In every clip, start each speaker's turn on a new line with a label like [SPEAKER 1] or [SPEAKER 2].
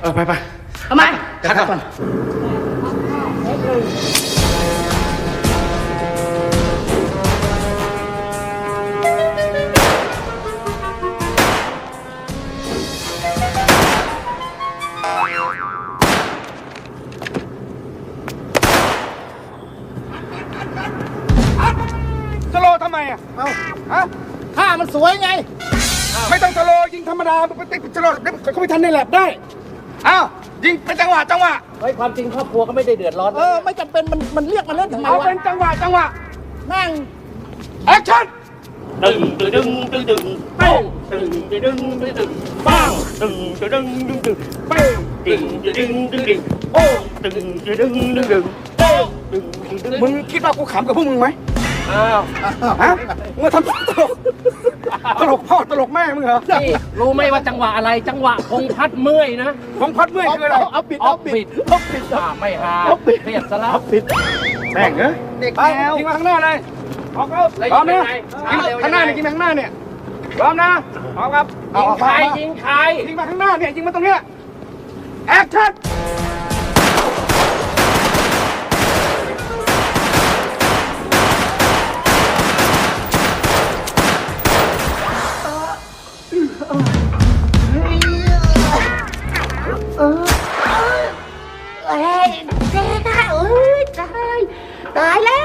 [SPEAKER 1] ไป
[SPEAKER 2] ทำไม
[SPEAKER 1] คัดก่อนสโลทำไมอ่ะฮะท่ามันสวยไงไม่ต้องสโลยิงธรรมดาไปติดสโลเขาไม่ทันในแลบได้อ้าวยิงเป็นจังหวะ
[SPEAKER 2] เฮ้ยความจริงครอบครัวก็ไม่ได้เดือดร้อนไม่จำเป็นมันเรียกมาเล่นทำไมวะ
[SPEAKER 1] เอาเป็นจังหวะ
[SPEAKER 2] นั่ง
[SPEAKER 1] แอคชั่น
[SPEAKER 2] ดึงป้งดึงป้งดึงป้งดึงโอ้ดึง
[SPEAKER 1] มึงคิดว่ากูขำกับพวกมึงไหม
[SPEAKER 2] อ้าว
[SPEAKER 1] ฮะมึงทำตลกพ่อตลกแม่มึงเหรอ
[SPEAKER 2] นี่รู้ไหมว่าจังหวะอะไรจังหวะคงพัดเมื่อยนะ
[SPEAKER 1] ผมพัดเมื่อยคืออะไร
[SPEAKER 2] เอาปิดไม่หาเครียดซะแล้ว
[SPEAKER 1] แม่งเหรอเด็กแล้วยิงมาข้างหน้าเลยออกแล้วพร้อมนะข้างหน้าเนี่ยยิงมาข้างหน้าเนี่ยพร้อมนะพร้อมครับ
[SPEAKER 2] ยิงใคร
[SPEAKER 1] ยิงมาข้างหน้าเนี่ยยิงมาตรงเนี้ยแอคชั่น
[SPEAKER 3] ตายแล้ว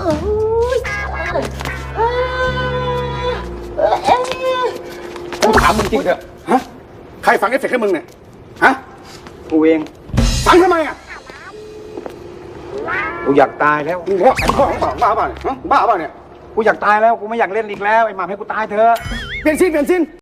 [SPEAKER 1] กูถามมึงจริงเถอะฮะใครฝังเอฟเฟกต์ให้มึงเนี่ยฮะกูเองฝังทำไมอ่ะ
[SPEAKER 4] กูอยากตายแล้ว
[SPEAKER 1] มึงพ่อของบ้าเปล่าเนี่ยบ้าเปล่าเนี่ย
[SPEAKER 4] กูอยากตายแล้วกูไม่อยากเล่นอีกแล้วไอ้หมาให้กูตายเถอะ
[SPEAKER 1] เปลี่ยนสิ้น